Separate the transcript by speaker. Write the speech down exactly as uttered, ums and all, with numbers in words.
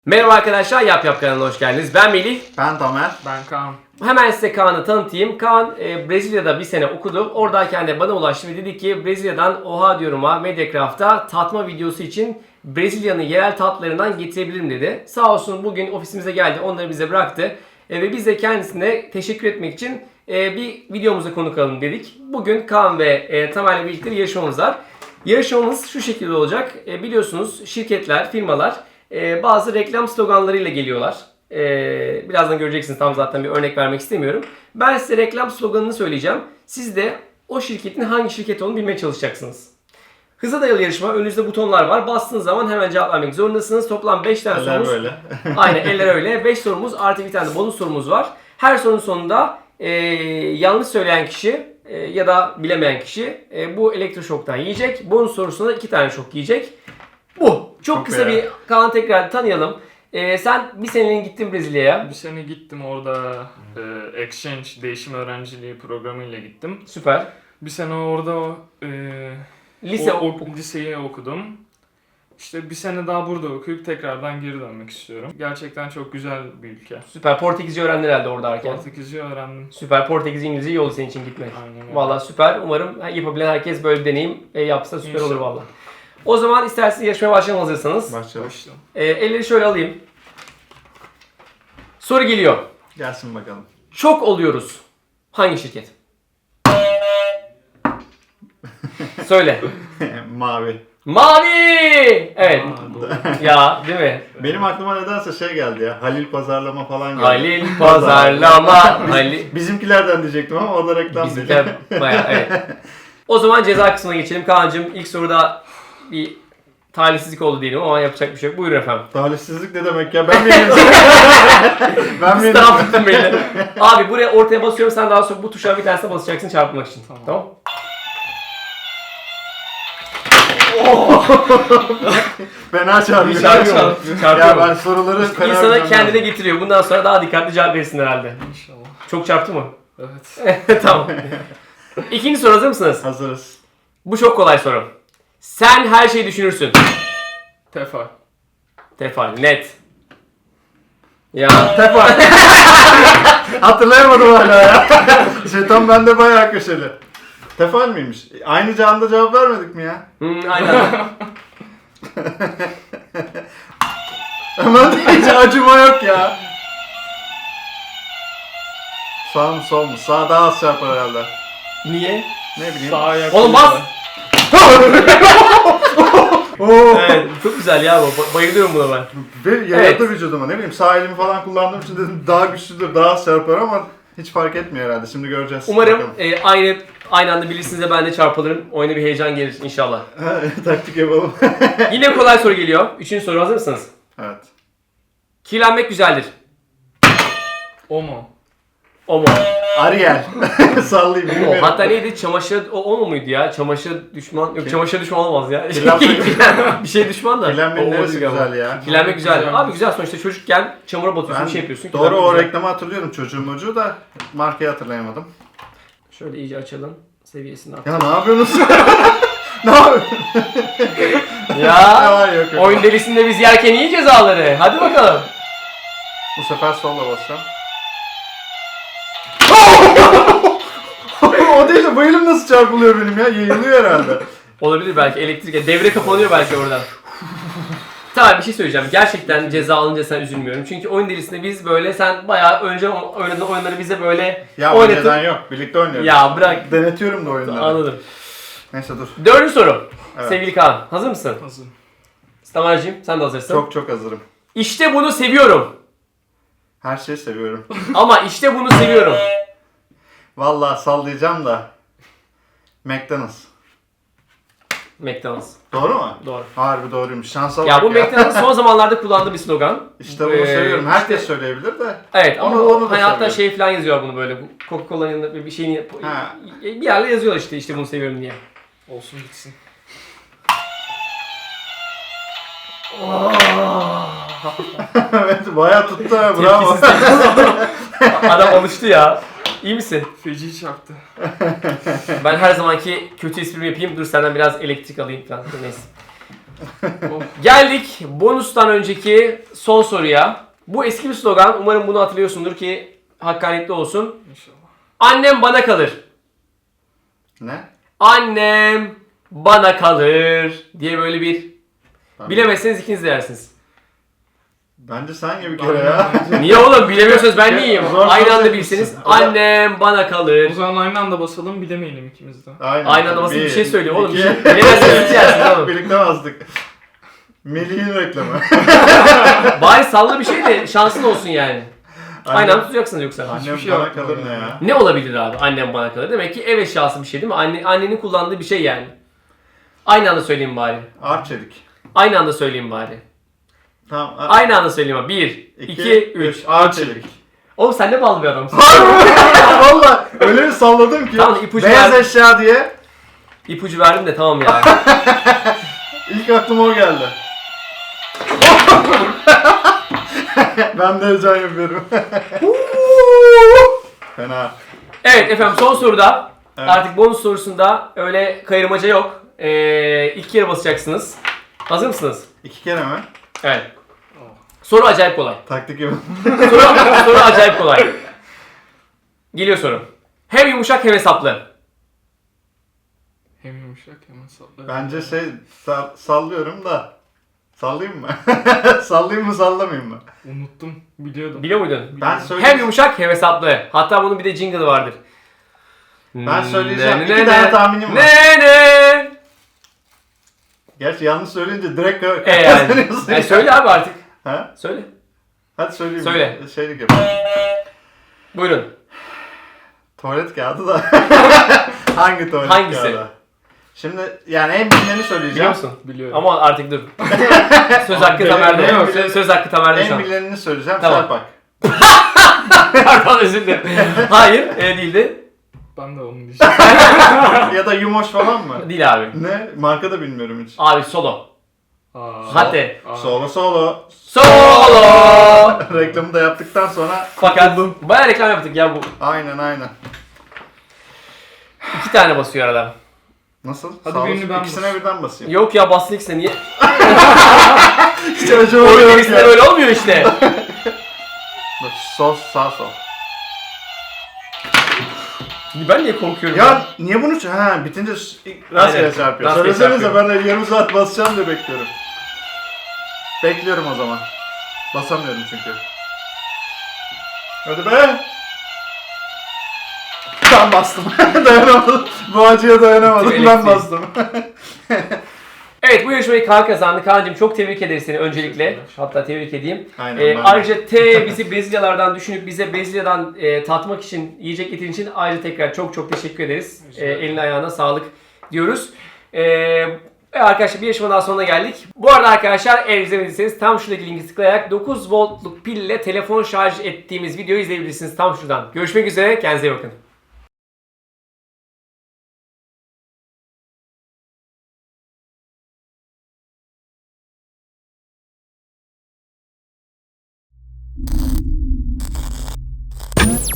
Speaker 1: Merhaba arkadaşlar, Yap Yap kanalına hoş geldiniz. Ben Melih.
Speaker 2: Ben Tamer.
Speaker 3: Ben Kaan.
Speaker 1: Hemen size Kaan'ı tanıtayım. Kaan e, Brezilya'da bir sene okudu. Oradayken de bana ulaştı ve dedi ki Brezilya'dan Oha diyorum'a Mediacraft'a tatma videosu için Brezilya'nın yerel tatlarından getirebilirim dedi. Sağ olsun bugün ofisimize geldi, onları bize bıraktı. E, ve biz de kendisine teşekkür etmek için e, bir videomuza konuk alalım dedik. Bugün Kaan ve e, Tamer'le birlikte bir yarışmamız var. Yarışmamız şu şekilde olacak. E, biliyorsunuz şirketler, firmalar e, bazı reklam sloganlarıyla geliyorlar. Ee, birazdan göreceksiniz, tam zaten bir örnek vermek istemiyorum. Ben size reklam sloganını söyleyeceğim. Siz de o şirketin hangi şirket olduğunu bilmeye çalışacaksınız. Hıza dayalı yarışma. Önünüzde butonlar var. Bastığınız zaman hemen cevap vermek zorundasınız. Toplam beş tane
Speaker 2: Eller
Speaker 1: sorumuz.
Speaker 2: böyle.
Speaker 1: Aynen, eller öyle. beş sorumuz artı bir tane de bonus sorumuz var. Her sorunun sonunda e, yanlış söyleyen kişi e, ya da bilemeyen kişi e, bu elektroşoktan yiyecek. Bonus sorusunda iki tane şok yiyecek. Bu. Çok,
Speaker 2: Çok
Speaker 1: kısa
Speaker 2: iyi.
Speaker 1: bir Kaan'ı tekrar tanıyalım. Ee, sen bir seneliğine gittin Brezilya'ya.
Speaker 3: Bir sene gittim orada e, exchange, değişim öğrenciliği programıyla gittim.
Speaker 1: Süper.
Speaker 3: Bir sene orada e,
Speaker 1: Lise
Speaker 3: o,
Speaker 1: ok-
Speaker 3: o, liseyi okudum. İşte bir sene daha burada okuyup tekrardan geri dönmek istiyorum. Gerçekten çok güzel bir ülke.
Speaker 1: Süper. Portekizce öğrendin herhalde oradayken.
Speaker 3: Portekizce öğrendim.
Speaker 1: Süper. Portekizce, İngilizce iyi oldu senin için gitmek.
Speaker 3: Aynen öyle.
Speaker 1: Valla süper. Umarım yapabilen herkes böyle bir deneyim e, yapsa süper olur
Speaker 3: İnşallah.
Speaker 1: valla. O zaman isterseniz yarışmaya başlayalım hazırsanız.
Speaker 2: Başlayalım.
Speaker 3: Başlayalım.
Speaker 1: E, elleri şöyle alayım. Soru geliyor.
Speaker 2: Gelsin bakalım.
Speaker 1: Çok oluyoruz. Hangi şirket? Söyle.
Speaker 2: Mavi.
Speaker 1: Mavi! Evet.
Speaker 3: Aa, doğru.
Speaker 1: Ya değil mi?
Speaker 2: Benim aklıma nedense şey geldi ya. Halil Pazarlama falan geldi.
Speaker 1: Halil Pazarlama. Halil.
Speaker 2: Bizimkilerden diyecektim ama o da reklam değil.
Speaker 1: Bizimkiler bayağı evet. O zaman ceza kısmına geçelim. Kaan'cığım ilk soruda bir talihsizlik oldu diyelim ama yapacak bir şey yok. Buyurun efendim.
Speaker 2: Talihsizlik ne demek ya? Ben miyim? ben
Speaker 1: Biz
Speaker 2: miyim?
Speaker 1: taraf tuttun beni. Abi buraya ortaya basıyorum, sen daha sonra bu tuşa bir tanesine basacaksın çarpmak için. Tamam.
Speaker 3: Tamam.
Speaker 2: Fena çarpıyor.
Speaker 1: Çarpıyor. Çarpıyor.
Speaker 2: Ya ben soruları fena
Speaker 1: İnsana
Speaker 2: bilmem
Speaker 1: kendine
Speaker 2: lazım.
Speaker 1: getiriyor. Bundan sonra daha dikkatli cevap verirsin herhalde.
Speaker 3: İnşallah.
Speaker 1: Çok çarptı mı?
Speaker 3: Evet.
Speaker 1: Tamam. İkinci soru, hazır mısınız?
Speaker 2: Hazırız.
Speaker 1: Bu çok kolay soru. Sen her şeyi düşünürsün.
Speaker 3: Tefal.
Speaker 1: Tefal, net. Ya.
Speaker 2: Tefal. Hatırlayamadım hala ya. Şeytan bende bayağı köşeli. Tefal miymiş? Aynı canda cevap vermedik mi ya?
Speaker 1: Hmm, aynen.
Speaker 2: Aman hiç acıma yok ya. Sağ mı sol mu? Sağ daha az çarpar herhalde.
Speaker 1: Niye?
Speaker 2: Ne bileyim.
Speaker 3: Sağ ayak.
Speaker 1: Oğlum bas!
Speaker 2: Oo.
Speaker 1: Evet, çok güzel ya bu. Ba- Bayılıyorum buna ben.
Speaker 2: Ve yaradı vücuduma, ne bileyim, sağ elimi falan kullandığım için dedim daha güçlüdür, daha az çarpar ama hiç fark etmiyor herhalde. Şimdi göreceğiz.
Speaker 1: Umarım
Speaker 2: Bakalım.
Speaker 1: e, aynı aynı anda bilirsiniz de ben de çarpılırım. Oyuna bir heyecan gelir inşallah.
Speaker 2: Taktik yapalım.
Speaker 1: Yine kolay soru geliyor. Üçüncü soru, hazır mısınız?
Speaker 2: Evet.
Speaker 1: Kirlenmek güzeldir.
Speaker 3: O mu?
Speaker 1: O mu?
Speaker 2: Ariel. Sallayayım
Speaker 1: O.
Speaker 2: bilmiyorum.
Speaker 1: Hatta neydi? Çamaşır o, o mu muydu ya? Çamaşır düşman. Yok, çamaşır düşman olmaz ya.
Speaker 2: Kirlenmek-
Speaker 1: bir şey düşman da.
Speaker 2: Kirlenmenin
Speaker 1: O- o
Speaker 2: neresi
Speaker 1: değil ama.
Speaker 2: güzel ya?
Speaker 1: Kirlenmek güzel.
Speaker 3: Güzel.
Speaker 1: Abi güzel, sonuçta çocukken çamura batıyorsun,
Speaker 2: Ben
Speaker 1: bir şey yapıyorsun.
Speaker 2: doğru
Speaker 1: Kirlenmek
Speaker 2: o
Speaker 1: güzel.
Speaker 2: reklamı hatırlıyorum, çocuğum ucu da markayı hatırlayamadım.
Speaker 1: Şöyle iyice açalım. Seviyesini at.
Speaker 2: Ya ne yapıyorsunuz? Ne yapıyorsun?
Speaker 1: Ya.
Speaker 2: var yok yok.
Speaker 1: Oyun delisinde biz yerken iyi cezaları. Hadi bakalım.
Speaker 2: Bu sefer solla basacağım. O değil de bu elim nasıl çarpılıyor benim ya? Yayılıyor herhalde.
Speaker 1: Olabilir belki, elektrik. Devre kapanıyor belki oradan. Tamam, bir şey söyleyeceğim. Gerçekten ceza alınca sen üzülmüyorum. Çünkü oyun delisinde biz böyle, sen bayağı önce oynadığın oyunları bize böyle
Speaker 2: Ya o
Speaker 1: oynatıp...
Speaker 2: neden yok. Birlikte oynuyoruz.
Speaker 1: Ya bırak.
Speaker 2: Denetiyorum da oyunları.
Speaker 1: Anladım.
Speaker 2: Neyse dur.
Speaker 1: Dördüncü soru.
Speaker 2: Evet.
Speaker 1: Sevgili Kaan, hazır mısın?
Speaker 3: Hazır.
Speaker 1: Tamer'cim sen de hazırsın.
Speaker 2: Çok çok hazırım.
Speaker 1: İşte bunu seviyorum.
Speaker 2: Her şeyi seviyorum.
Speaker 1: Ama işte bunu seviyorum.
Speaker 2: Vallahi sallayacağım da. McDonald's.
Speaker 1: McDonald's.
Speaker 2: Doğru mu?
Speaker 1: Doğru.
Speaker 2: Harbi doğruymuş. Şansa
Speaker 1: Ya
Speaker 2: bak
Speaker 1: bu McDonald's son zamanlarda kullandığı bir slogan.
Speaker 2: İşte bunu
Speaker 1: Ee,
Speaker 2: seviyorum. Herkes
Speaker 1: işte-
Speaker 2: söyleyebilir de.
Speaker 1: Evet ama
Speaker 2: Onu-
Speaker 1: o,
Speaker 2: onu da
Speaker 1: hani hatta
Speaker 2: seviyorum.
Speaker 1: şey falan yazıyor bunu böyle. Coca-Cola'nın yanında bir şeyini
Speaker 2: Ha.
Speaker 1: bir yerle yazıyorlar işte işte bunu seviyorum diye.
Speaker 3: Olsun gitsin.
Speaker 2: Evet bayağı tuttu ha, bravo.
Speaker 1: Tepkisiz. Adam alıştı ya. İyi misin?
Speaker 3: Feci çarptı.
Speaker 1: Ben her zamanki kötü esprimi yapayım. Dur senden biraz elektrik alayım falan. Neyse.
Speaker 3: Oh.
Speaker 1: Geldik bonustan önceki son soruya. Bu eski bir slogan. Umarım bunu hatırlıyorsundur ki hakkaniyetli olsun.
Speaker 3: İnşallah.
Speaker 1: Annem bana kalır.
Speaker 2: Ne?
Speaker 1: Annem bana kalır diye böyle bir
Speaker 2: Ben-
Speaker 1: bilemezseniz ikiniz de yersiniz.
Speaker 2: Bence sen gibi bir kere ya.
Speaker 1: Niye oğlum bilemiyorsanız ben niyeyim?
Speaker 2: Zor
Speaker 1: Aynı anda
Speaker 2: soracak
Speaker 1: bilseniz
Speaker 2: mısın?
Speaker 1: annem bana kalır.
Speaker 3: O zaman aynı anda basalım bilemeyelim ikimiz de.
Speaker 2: Aynen.
Speaker 1: Aynı anda basit bir şey söylüyor oğlum.
Speaker 2: iki-
Speaker 1: Bilemezseniz hiç yersiniz oğlum.
Speaker 2: Birlikte bastık. Melih'in reklamı.
Speaker 1: Bari salla bir şey de şansın olsun yani. Aynı
Speaker 2: Annem-
Speaker 1: anda tutacaksınız yoksa.
Speaker 2: Annem
Speaker 3: şey
Speaker 2: bana
Speaker 3: aklıma
Speaker 2: kalır ne
Speaker 3: gelmedi.
Speaker 2: ya?
Speaker 1: Ne olabilir abi annem bana kalır? Demek ki ev eşyası bir şey değil mi? Anne, annenin kullandığı bir şey yani. Aynı anda söyleyeyim bari.
Speaker 2: Arçelik.
Speaker 1: Aynı anda söyleyeyim bari.
Speaker 2: Tamam. a-
Speaker 1: Aynı anda söyleyeyim abi. Bir,
Speaker 2: iki,
Speaker 1: iki, üç.
Speaker 2: Arçelik.
Speaker 1: Oğlum sen ne ballı bir adamsın.
Speaker 2: Valla öyle bir salladım ki.
Speaker 1: Tamam, ipucu
Speaker 2: Beyaz
Speaker 1: ver.
Speaker 2: eşya diye.
Speaker 1: İpucu verdim de tamam ya.
Speaker 2: İlk aklıma o geldi. Ben de heyecan yapıyorum. Fena.
Speaker 1: Evet efendim son soruda.
Speaker 2: Evet.
Speaker 1: Artık bonus sorusunda öyle kayırmaca yok. Ee, ilk kere basacaksınız. Hazır mısınız?
Speaker 2: İki kere mi?
Speaker 1: Evet. Soru acayip kolay.
Speaker 2: Taktik gibi.
Speaker 1: Soru, soru acayip kolay. Geliyor soru. Hem yumuşak hem hesaplı.
Speaker 3: Hem yumuşak hem saplı.
Speaker 2: Bence şey sa- sallıyorum da. Sallayayım mı? Sallayayım mı sallamayayım mı?
Speaker 3: Unuttum. Biliyordum.
Speaker 1: Biliyor muydun?
Speaker 2: Ben
Speaker 3: Biliyordum.
Speaker 2: söyleyeyim.
Speaker 1: Hem yumuşak hem hesaplı. Hatta bunun bir de jingle vardır.
Speaker 2: Ben söyleyeceğim.
Speaker 1: Ne,
Speaker 2: İki
Speaker 1: ne,
Speaker 2: tane
Speaker 1: ne,
Speaker 2: tahminim var.
Speaker 1: Ne ne?
Speaker 2: Gerçi yanlış söyleyince direkt gö-
Speaker 1: E yani.
Speaker 2: kazanıyorsun.
Speaker 1: E söyle abi artık.
Speaker 2: Ha?
Speaker 1: Söyle.
Speaker 2: Hadi söyleyeyim.
Speaker 1: Söyle.
Speaker 2: Şeylik yapayım.
Speaker 1: Buyurun.
Speaker 2: Tuvalet kağıdı da. Hangi tuvalet
Speaker 1: Hangisi?
Speaker 2: kağıdı? Şimdi yani en bilineni
Speaker 1: Biliyor
Speaker 2: söyleyeceğim.
Speaker 1: musun?
Speaker 3: Biliyorum.
Speaker 1: Ama artık dur. Söz hakkı
Speaker 2: Abi,
Speaker 1: Tamer'de.
Speaker 2: en
Speaker 1: Söz,
Speaker 2: bilen-
Speaker 1: söz hakkı Tamer'de şu
Speaker 2: En
Speaker 1: an.
Speaker 2: bilineni söyleyeceğim.
Speaker 1: Tamam.
Speaker 2: Serpak.
Speaker 1: Pardon özür dilerim. Hayır e, değildi.
Speaker 3: Ben de onu diyeceğim.
Speaker 2: Ya da Yumoş falan mı?
Speaker 1: Değil abi.
Speaker 2: Ne? Marka da bilmiyorum hiç.
Speaker 1: Abi solo.
Speaker 3: Aa.
Speaker 1: Hadi.
Speaker 3: Aa.
Speaker 2: Solo solo.
Speaker 1: Solo.
Speaker 2: Reklamı da yaptıktan sonra
Speaker 1: Fakat bayağı reklam yaptık ya bu.
Speaker 2: aynen aynen.
Speaker 1: İki tane basıyor arada.
Speaker 2: Nasıl?
Speaker 3: Hadi
Speaker 2: Sağ
Speaker 3: birini
Speaker 2: olsun.
Speaker 3: ben
Speaker 2: İkisine
Speaker 3: basayım.
Speaker 2: birden basayım.
Speaker 1: Yok ya bastın ikisine niye?
Speaker 2: Hiç acı
Speaker 1: Oyun
Speaker 2: oluyor
Speaker 1: ikisinde
Speaker 2: ya.
Speaker 1: böyle olmuyor işte.
Speaker 2: Dur, Sol sağ sol.
Speaker 1: Ben niye korkuyorum?
Speaker 2: Ya niye bunu ç- ha bitince s- ilk rastgele
Speaker 1: Aynen,
Speaker 2: çarpıyor.
Speaker 1: rastgele
Speaker 2: Söylesenize
Speaker 1: çarpıyor.
Speaker 2: ben de yarım saat basacağım diye bekliyorum. Bekliyorum o zaman. Basamıyorum çünkü. Hadi be. Ben bastım. Dayanamadım. Bu acıya dayanamadım.
Speaker 1: Bitti
Speaker 2: Ben
Speaker 1: elektriği.
Speaker 2: bastım.
Speaker 1: Evet bu yarışmayı Kaan kazandı. Kaan'cığım çok tebrik ederiz seni öncelikle. Hatta tebrik edeyim.
Speaker 2: Aynen,
Speaker 1: Ee,
Speaker 2: ben de.
Speaker 1: ayrıca T bizi Brezilyalardan düşünüp bize Brezilya'dan e, tatmak için, yiyecek getirdiğin için ayrıca tekrar çok çok teşekkür ederiz.
Speaker 3: Rica
Speaker 1: E,
Speaker 3: ederim.
Speaker 1: eline ayağına sağlık diyoruz. E, ve arkadaşlar bir yarışmanın daha sonuna geldik. Bu arada arkadaşlar eğer izlemediyseniz tam şuradaki linki tıklayarak dokuz voltluk pille telefon şarj ettiğimiz videoyu izleyebilirsiniz tam şuradan. Görüşmek üzere, kendinize iyi bakın.